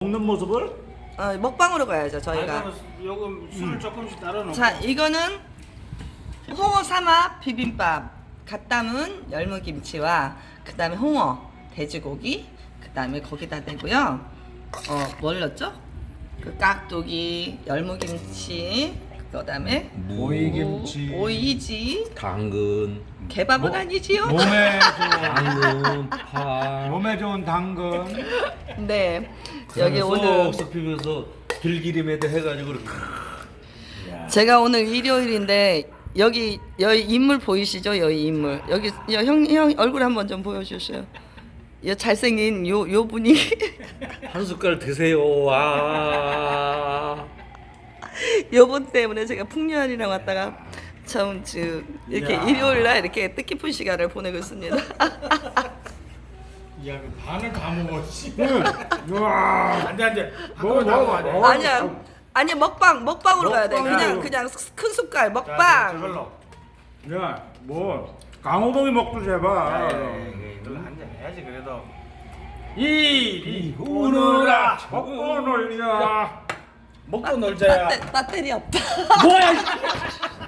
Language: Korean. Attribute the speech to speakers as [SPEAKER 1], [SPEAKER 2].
[SPEAKER 1] 먹는 모습을?
[SPEAKER 2] 먹방으로 가야죠 저희가.
[SPEAKER 3] 요금 술을 조금씩 따라 놓고.
[SPEAKER 2] 자 이거는 홍어 삼합 비빔밥 갓 담은 열무김치와 그 다음에 홍어 돼지고기 그 다음에 거기다 대고요. 뭘 넣었죠? 그 깍두기 열무김치 그 다음에
[SPEAKER 1] 오이김치.
[SPEAKER 2] 오이지
[SPEAKER 4] 당근,
[SPEAKER 2] 개밥은 아니지요?
[SPEAKER 1] 몸에 좋은
[SPEAKER 4] 당근, 파.
[SPEAKER 1] 몸에 좋은 당근.
[SPEAKER 2] 네 여기 오늘
[SPEAKER 4] 섞이면서 들기름에다 해가지고 이렇게.
[SPEAKER 2] 제가 오늘 일요일인데 여기 인물 보이시죠? 여기 인물 여기 형 얼굴 한번 좀 보여주세요. 이 잘생긴 요 분이
[SPEAKER 4] 한 숟갈 드세요. 와.
[SPEAKER 2] 요분 때문에 제가 풍류한이랑 왔다가 참 이렇게
[SPEAKER 3] 야.
[SPEAKER 2] 일요일날 이렇게 뜻깊은 시간을 보내고 있습니다.
[SPEAKER 3] 야, 그 반을 다 먹어. 씨.
[SPEAKER 1] 우와.
[SPEAKER 3] 안돼.
[SPEAKER 1] 먹어, 먹어, 먹어.
[SPEAKER 2] 아니야 먹방으로 가야 돼.
[SPEAKER 1] 먹방이요.
[SPEAKER 2] 그냥 큰 숟갈
[SPEAKER 3] 자,
[SPEAKER 2] 먹방.
[SPEAKER 3] 저걸로.
[SPEAKER 1] 야, 뭐 강호동이 먹듯이 해봐.
[SPEAKER 3] 이걸로 한잔 해야지 그래도. 이리 오너라.
[SPEAKER 1] 먹고 놀자.
[SPEAKER 3] 먹고 놀자야.
[SPEAKER 2] 배터리 없다.
[SPEAKER 3] 뭐야?